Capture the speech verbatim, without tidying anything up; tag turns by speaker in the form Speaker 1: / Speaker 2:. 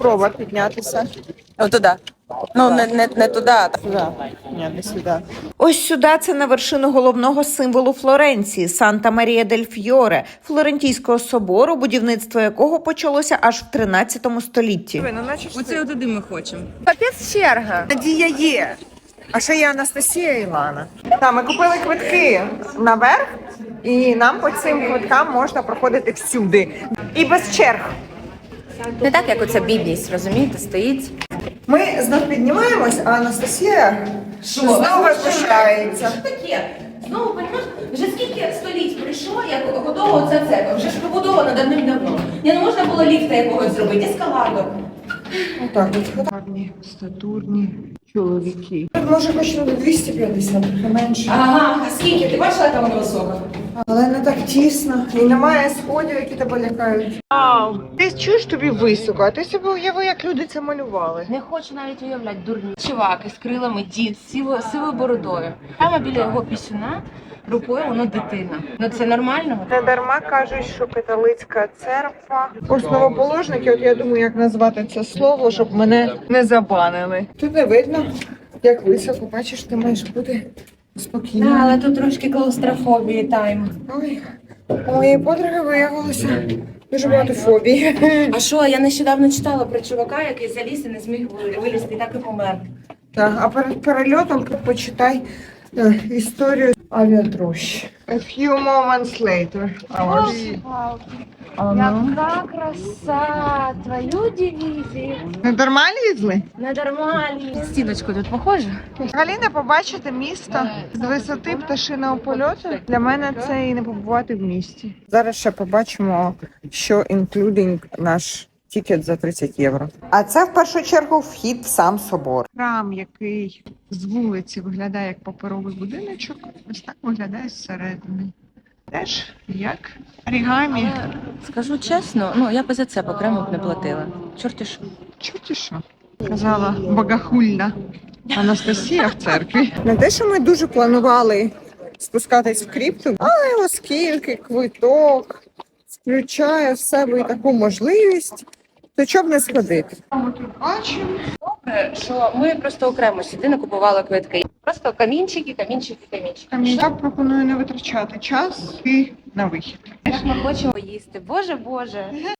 Speaker 1: спроба піднятися.
Speaker 2: Отуди. Ну, не, не, не туди, а
Speaker 1: Сюди. Ні, не сюди.
Speaker 3: Ось сюди це на вершину головного символу Флоренції – Санта-Марія-дель-Фьоре, Флорентійського собору, будівництво якого почалося аж в тринадцятому столітті.
Speaker 1: Ну, наче ж
Speaker 2: Оце туди ми хочемо.
Speaker 1: капець черга. Надія є. А ще є Анастасія і Ілана. Так, ми купили квитки наверх, і нам по цим квиткам можна проходити всюди. І без черг.
Speaker 2: Не так, як оця бідність, розумієте, стоїть.
Speaker 1: Ми знов піднімаємось, а Анастасія знову спускається.
Speaker 2: Таке. Знову, розумієш, вже скільки століть пройшло, як готова оця церква. Вже ж побудована давним-давно. Не ну, можна було ліфта якогось зробити, ескалатор.
Speaker 1: Отак от. Гарні, статурні чоловіки. Може хоч на двісті п'ятдесят, трохи менше.
Speaker 2: Ага, а скільки? Ти бачила, яка вона висока?
Speaker 1: Але не так тісно. І немає сходів, які тебе лякають. Вау! Ти чуєш, тобі високо, а ти собі уяви, як люди це малювали.
Speaker 2: Не хочу навіть уявляти, дурні. Чувак із крилами, дід, з сивою, сивою бородою. Прямо біля його пісюна рукою воно дитина. Ну це нормально?
Speaker 1: Не дарма кажуть, що католицька церква. Основоположники, от я думаю, як назвати це слово, щоб мене не забанили. Тут не видно, як високо, бачиш, ти маєш бути спокійно.
Speaker 2: Да, але тут трошки клаустрофобії тайм.
Speaker 1: Ой, у моєї подруги виявилося дуже багато фобій.
Speaker 2: А що, я нещодавно читала про чувака, який заліз і не зміг вилізти, і так і помер.
Speaker 1: Так, а перед перельотом почитай е, історію авіатрощ. A few moments later. Hours. А ну.
Speaker 2: Яка краса! Твою дивізію!
Speaker 1: Не дарма лізли?
Speaker 2: Не нормальні. Стіночку тут похоже?
Speaker 1: Взагалі не побачити місто з висоти пташиного польоту. Для мене це і не побувати в місті. Зараз ще побачимо, що інклюдинг наш тікет за тридцять євро. А це в першу чергу вхід в сам собор. Храм, який з вулиці виглядає як паперовий будиночок, ось так виглядає зсередини. Теж як орігамі.
Speaker 2: Скажу чесно, ну я б за це окремо б не платила. Чорті що.
Speaker 1: Чуті що? Казала богохульна Анастасія в церкві. Не те, що ми дуже планували спускатись в крипту, але оскільки квиток включає в себе і таку можливість, то чоб не сходити. Ми тут бачимо.
Speaker 2: Добре, що ми просто окремо сюди не купували квитки. Просто камінчики, камінчики, камінчики.
Speaker 1: Я пропоную не витрачати час і на вихід.
Speaker 2: Як ми хочемо їсти. Боже, Боже.